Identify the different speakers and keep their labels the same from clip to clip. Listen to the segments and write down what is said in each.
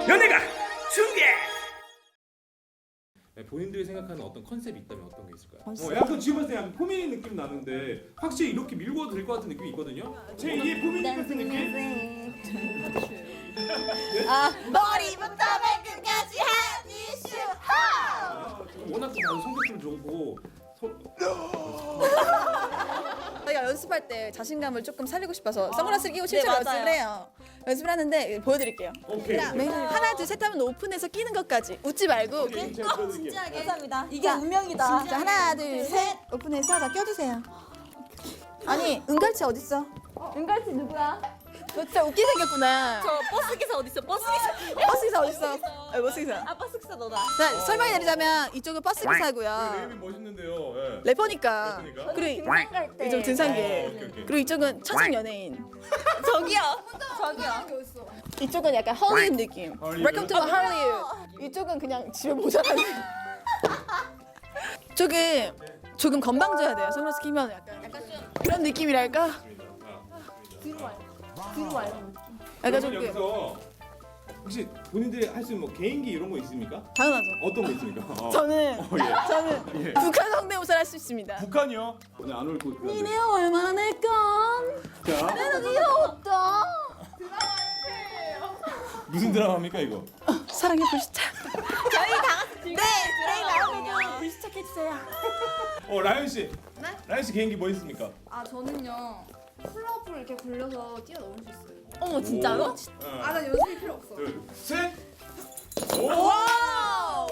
Speaker 1: 연예가 중계. 네, 본인들이 생각하는 어떤 컨셉이 있다면 어떤 게 있을까요?
Speaker 2: 약간 지금 봤을 때 약간 포미닛 느낌 나는데 확실히 이렇게 밀고 될 것 같은 느낌이 있거든요. 제2의 포미닛 같은 느낌?
Speaker 3: 머리부터 발끝까지 한 이슈
Speaker 2: 워낙 또 다들 성격들 좋고
Speaker 4: 저희가 연습할 때 자신감을 조금 살리고 싶어서 선글라스를 끼고 실제로
Speaker 3: 네,
Speaker 4: 연습을 해요. 연습을 하는데 보여드릴게요.
Speaker 2: 오케이.
Speaker 4: 하나 둘 셋 하면 오픈해서 끼는 것까지 웃지 말고.
Speaker 2: 오케이. 제가 보여드릴게요.
Speaker 3: 감사합니다.
Speaker 4: 이게 운명이다. 자 하나 둘 셋 오픈해서 다 껴주세요. 아니 은갈치 어딨어?
Speaker 3: 은갈치 누구야?
Speaker 4: 너 진짜 웃기게 생겼구나.
Speaker 3: 저 버스 기사 어디 있어? 버스 기사.
Speaker 4: 버스 기사 어딨어? 버스 기사.
Speaker 3: 아 버스 기사 너다.
Speaker 4: 자 설명해 드리자면 이쪽은 버스 기사고요.
Speaker 2: 네임이 멋있는데요. 예.
Speaker 4: 래퍼니까.
Speaker 2: 래퍼니까?
Speaker 4: 그리고
Speaker 3: 등산 갈 때.
Speaker 4: 이쪽 등산계.
Speaker 2: 오케이.
Speaker 4: 그리고 이쪽은 천생 연예인.
Speaker 3: 저기요.
Speaker 4: 이쪽은 약간 헐리우드 느낌.
Speaker 2: 헐리우드?
Speaker 4: Welcome to Hollywood. 이쪽은 그냥 집에 모자라는. 조금 건방져야 돼요. 선글라스 끼면 약간 그런 느낌이랄까.
Speaker 3: 뒤로 와요.
Speaker 4: 약간
Speaker 2: 그러면
Speaker 4: 좀
Speaker 2: 여기서 혹시 본인들이 할 수 있는 뭐 개인기 이런 거 있습니까?
Speaker 4: 당연하죠.
Speaker 2: 어떤 거 있습니까?
Speaker 4: 저는
Speaker 2: 예.
Speaker 4: 저는 북한 성대모사를 할 수 있습니다.
Speaker 2: 북한이요? 오늘 안 올 거.
Speaker 4: 니네 얼마나 낼까?
Speaker 2: 자,
Speaker 4: 귀여웠다.
Speaker 2: 무슨 드라마입니까 이거?
Speaker 4: 사랑의 불시착.
Speaker 3: 저희 다 같이 네. 저희 나오면
Speaker 4: 불시착해주세요.
Speaker 2: 라이언 씨.
Speaker 5: 네?
Speaker 2: 라이언 씨 개인기 뭐 있습니까?
Speaker 5: 아 저는요 플러프를 이렇게 굴려서 뛰어넘을 수 있어요.
Speaker 4: 어머 진짜로?
Speaker 5: 아 나 연습이 필요 없어.
Speaker 2: 둘, 셋. 오!
Speaker 3: 와우.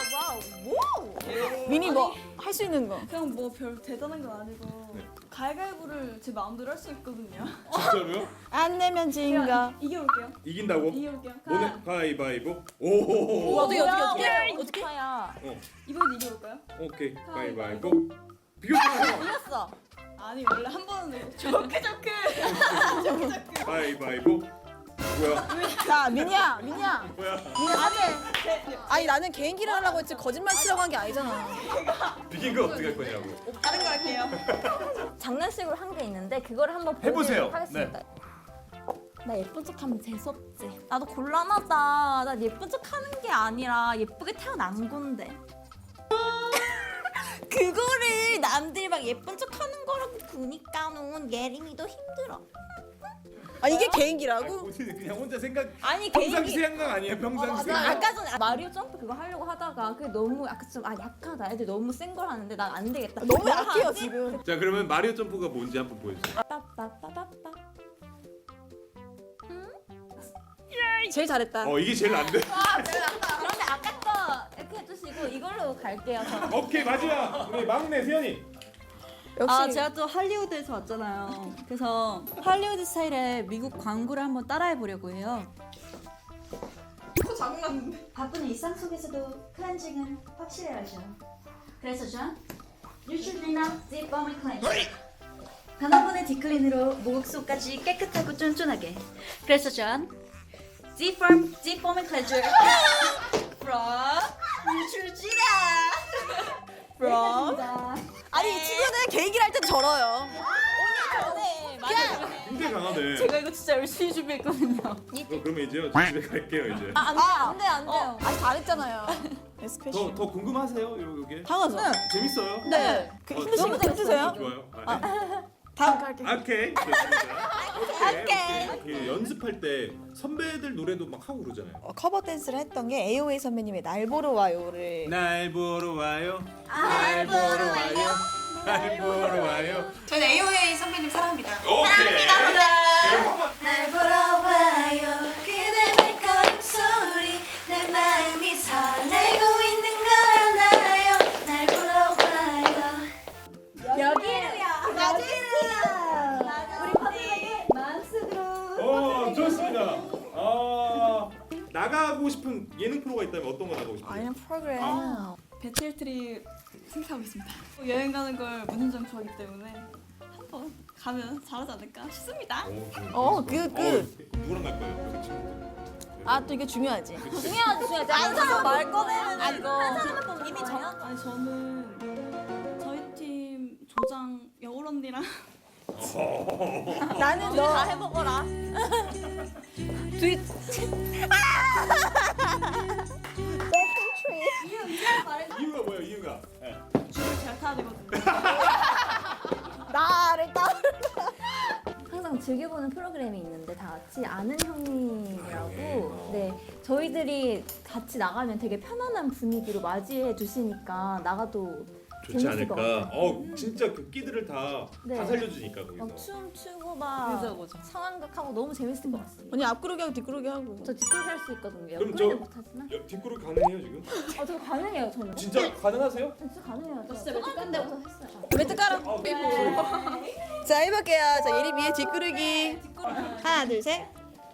Speaker 4: 미니 뭐 할 수 있는 거.
Speaker 6: 그냥 뭐 별 대단한 건 아니고
Speaker 2: 네.
Speaker 6: 가위바위보를 제 마음대로 할 수 있거든요.
Speaker 2: 진짜로요?
Speaker 4: 안 내면 진가.
Speaker 6: 이겨볼게요.
Speaker 2: 이긴다고?
Speaker 6: 이겨볼게요.
Speaker 2: 오늘 가위바위보. 오.
Speaker 3: 어떻게? 야
Speaker 6: 이번에도 이겨볼까요?
Speaker 2: 오케이. 가위바위보. 비교해요.
Speaker 3: 이겼어.
Speaker 6: 아니 원래 한 번은 조크.
Speaker 2: 가위바위보. 뭐야?
Speaker 4: 자 민이야.
Speaker 2: 뭐야?
Speaker 4: 아니 나는 개인기를 하려고 했지 거짓말 치려고 한 게 아니잖아.
Speaker 2: 비긴 거 어떻게 할 거냐고.
Speaker 6: 다른 거 할게요.
Speaker 3: 장난식으로 한 게 있는데 그거를 한번
Speaker 2: 해보세요.
Speaker 3: 보여드리도록 하겠습니다. 나 예쁜 척하면 재수없지. 나도 곤란하다. 나 예쁜 척하는 게 아니라 예쁘게 태어난 건데. 그거를 남들 막 예쁜 척하는 거라고 보니까는 예림이도 힘들어.
Speaker 4: 아 이게 개인기라고?
Speaker 2: 본인이 그냥 혼자 생각.
Speaker 3: 아니
Speaker 2: 평상시
Speaker 3: 개인기.
Speaker 2: 생각 아니에요? 평상시
Speaker 3: 나
Speaker 2: 생각.
Speaker 3: 아까 전에 마리오 점프 그거 하려고 하다가 그게 너무 약간 좀 약하다. 애들 너무 센 걸 하는데 난 안 되겠다.
Speaker 4: 너무
Speaker 3: 뭘
Speaker 4: 약해요
Speaker 3: 하지?
Speaker 4: 지금.
Speaker 2: 자 그러면 마리오 점프가 뭔지 한번 보여주세요.
Speaker 3: 빠빠빠빠빠.
Speaker 4: 제일 잘했다.
Speaker 2: 이게 제일 안 돼.
Speaker 3: 그런데 아까 거 이렇게 해주시고 이걸로 갈게요. 저.
Speaker 2: 오케이 마지막 우리 막내 세연이.
Speaker 4: 역시
Speaker 6: 아 제가 또 할리우드에서 왔잖아요. 그래서 할리우드 스타일의 미국 광고를 한번 따라해 보려고 해요.
Speaker 7: 바쁜 일상 속에서도 클렌징은 확실해야죠. 그래서 전 뉴트리나 딥밤을 클렌징. 단 한 번의 딥클린으로 목욕속까지 깨끗하고 쫀쫀하게. 그래서 전 딥밤을 클렌징 from 뉴트리나.
Speaker 4: 아니 이 친구는 개인기를 할 땐 저러요.
Speaker 2: 굉장히 강하네.
Speaker 6: 제가 이거 진짜 열심히 준비했거든요.
Speaker 2: 그러면 이제 집에 갈게요 이제.
Speaker 3: 안 돼요.
Speaker 4: 아니 잘했잖아요. 에스페셜.
Speaker 2: 더 궁금하세요 요게?
Speaker 4: 당하죠.
Speaker 2: 재밌어요?
Speaker 4: 네. 힘드세요?
Speaker 2: 좋아요.
Speaker 4: 다음 갈게.
Speaker 2: 오케이. 좋습니다. 오케이. 연습할 때 선배들 노래도 막 하고 그러잖아요.
Speaker 4: 커버 댄스를 했던 게 AOA 선배님의 날 보러 와요를.
Speaker 2: 날 보러 와요. 날 보러 와요. 날 보러 와요.
Speaker 5: 저는 AOA 선배님 사랑합니다.
Speaker 2: 오케이.
Speaker 7: 날 보러 와요. 그대 발걸음 소리 내 마음이 설레고 있는 걸 알아요. 날 보러 와요. 여기로요. 우리 파트너의 마음속으로.
Speaker 2: 좋습니다. 나가고 싶은 예능 프로가 있다면 어떤 거 나가고 싶어요?
Speaker 4: 아니면 프로그램.
Speaker 6: 배틀트리 생각하고 있습니다. 여행 가는 걸 무진장 좋아하기 때문에 한번 가면 잘하지 않을까 싶습니다.
Speaker 2: 누구랑 갈 거예요? 그 친구들.
Speaker 4: 아 또 이게 중요하지.
Speaker 3: 중요하지. 한 사람 말 꺼내면 이거. 한 사람은 이미 정한.
Speaker 6: 아니 저는 저희 팀 조장 여울 언니랑
Speaker 4: 나는
Speaker 3: 다 해먹어라.
Speaker 4: 둘이
Speaker 3: 즐겨보는 프로그램이 있는데 다 같이 아는 형님이라고
Speaker 1: 아,
Speaker 3: 네 저희들이 같이 나가면 되게 편안한 분위기로 맞이해 주시니까 나가도
Speaker 1: 좋지
Speaker 3: 재밌을 것
Speaker 1: 않을까.
Speaker 3: 같아요.
Speaker 1: 진짜 그 끼들을 다
Speaker 3: 네.
Speaker 1: 살려주니까 거기서.
Speaker 3: 막 춤추고 막
Speaker 6: 그죠.
Speaker 3: 상황극하고 너무 재밌을 것 같습니다.
Speaker 4: 언니 앞구르기 하고 뒷구르기 하고.
Speaker 3: 저 뒷구르기 할 수 있거든요.
Speaker 1: 그럼
Speaker 3: 옆구리는
Speaker 1: 저-
Speaker 3: 못하지만
Speaker 1: 뒷구르 가능해요 지금?
Speaker 3: 저 가능해요 저는.
Speaker 1: 진짜 가능하세요?
Speaker 3: 진짜 가능해요. 저
Speaker 5: 진짜 매트
Speaker 3: 초등학교 때부터 했어요.
Speaker 4: 매트 깔아. 자 해볼게요. 자 예림이의 뒷구르기. 하나 둘 셋.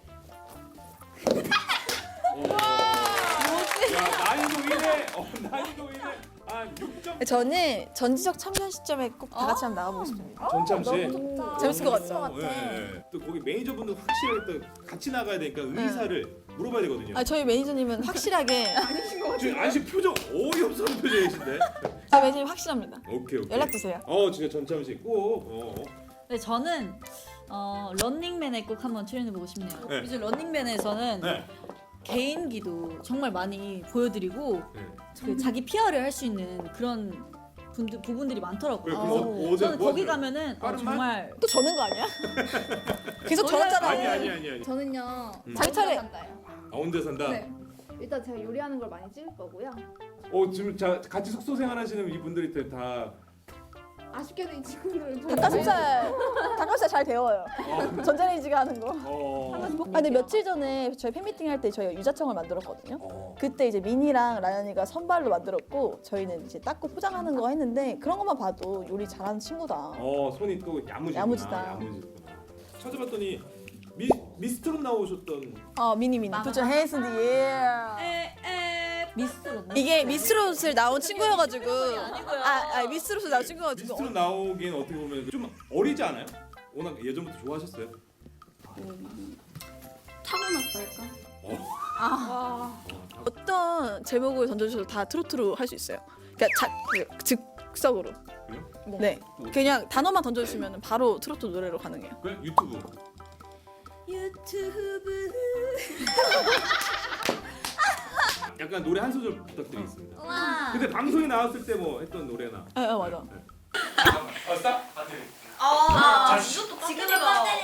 Speaker 2: 야 난이도 1회. 난이도 1회. 한 6점.
Speaker 4: 저는 전지적 참견 시점에 꼭 다 같이 한번 나가보고 싶습니다.
Speaker 1: 전참 씨.
Speaker 4: 재밌을 것 같죠?
Speaker 3: 같아.
Speaker 1: 예. 또 거기 매니저분들 확실하게 또 같이 나가야 되니까 의사를 물어봐야 되거든요.
Speaker 4: 아 저희 매니저님은 확실하게
Speaker 1: 지금 안씨 표정 어이없어하는 표정이신데.
Speaker 4: 저희 매니저님 확실합니다.
Speaker 1: 오케이.
Speaker 4: 연락 주세요.
Speaker 1: 진짜 전참 씨 꼭.
Speaker 8: 네, 저는 런닝맨에 꼭 한번 출연해보고 싶네요.
Speaker 1: 네.
Speaker 8: 요즘 런닝맨에서는
Speaker 1: 네.
Speaker 8: 개인기도 정말 많이 보여드리고
Speaker 1: 네.
Speaker 8: 그 자기 PR을 할 수 있는 그런 부분들이 많더라고요.
Speaker 1: 그래서
Speaker 8: 그래서
Speaker 1: 어제
Speaker 8: 저는
Speaker 1: 뭐
Speaker 8: 거기
Speaker 1: 하세요?
Speaker 8: 가면은
Speaker 1: 빠른
Speaker 8: 정말
Speaker 4: 또 저는 거 아니야? 계속
Speaker 8: 원래-
Speaker 4: 저었잖아요.
Speaker 1: 아니.
Speaker 5: 저는요.
Speaker 4: 자기 차례.
Speaker 5: 산다요.
Speaker 1: 아 혼자 산다.
Speaker 5: 네. 일단 제가 요리하는 걸 많이 찍을 거고요.
Speaker 1: 지금 같이 숙소 생활하시는 이분들이 다.
Speaker 5: 아쉽게도 이 친구들은
Speaker 4: 닭가슴살 잘 데워요. 전자레인지가 하는 거. 아 근데 며칠 전에 저희 팬미팅 할 때 저희가 유자청을 만들었거든요. 그때 이제 미니랑 라연이가 선발로 만들었고 저희는 이제 닦고 포장하는 거 했는데 그런 것만 봐도 요리 잘하는 친구다.
Speaker 1: 손이 또 야무지구나.
Speaker 4: 야무지다.
Speaker 1: 야무지구나. 찾아봤더니 미스트롯 나오셨던.
Speaker 4: 미니. Put your hands in the air.
Speaker 8: 미스트롯.
Speaker 4: 이게 미스롯을 나온 친구여가지고. 미스롯을 나온 친구여가지고.
Speaker 1: 미스트롯 나오기엔 어떻게 보면 좀 어리지 않아요? 워낙 예전부터 좋아하셨어요?
Speaker 6: 타고났달까?
Speaker 4: 어떤 제목을 던져주셔도 다 트로트로 할 수 있어요. 그러니까 즉석으로.
Speaker 1: 그래요?
Speaker 4: 네. 그냥 단어만 던져주시면 바로 트로트 노래로 가능해요.
Speaker 1: 그래? 유튜브.
Speaker 8: 유튜브.
Speaker 1: 약간 노래 한 소절 부탁드리겠습니다.
Speaker 3: 와.
Speaker 1: 근데 방송에 나왔을 때 뭐 했던 노래나.
Speaker 4: 맞아.
Speaker 1: 스탑.
Speaker 5: 지금은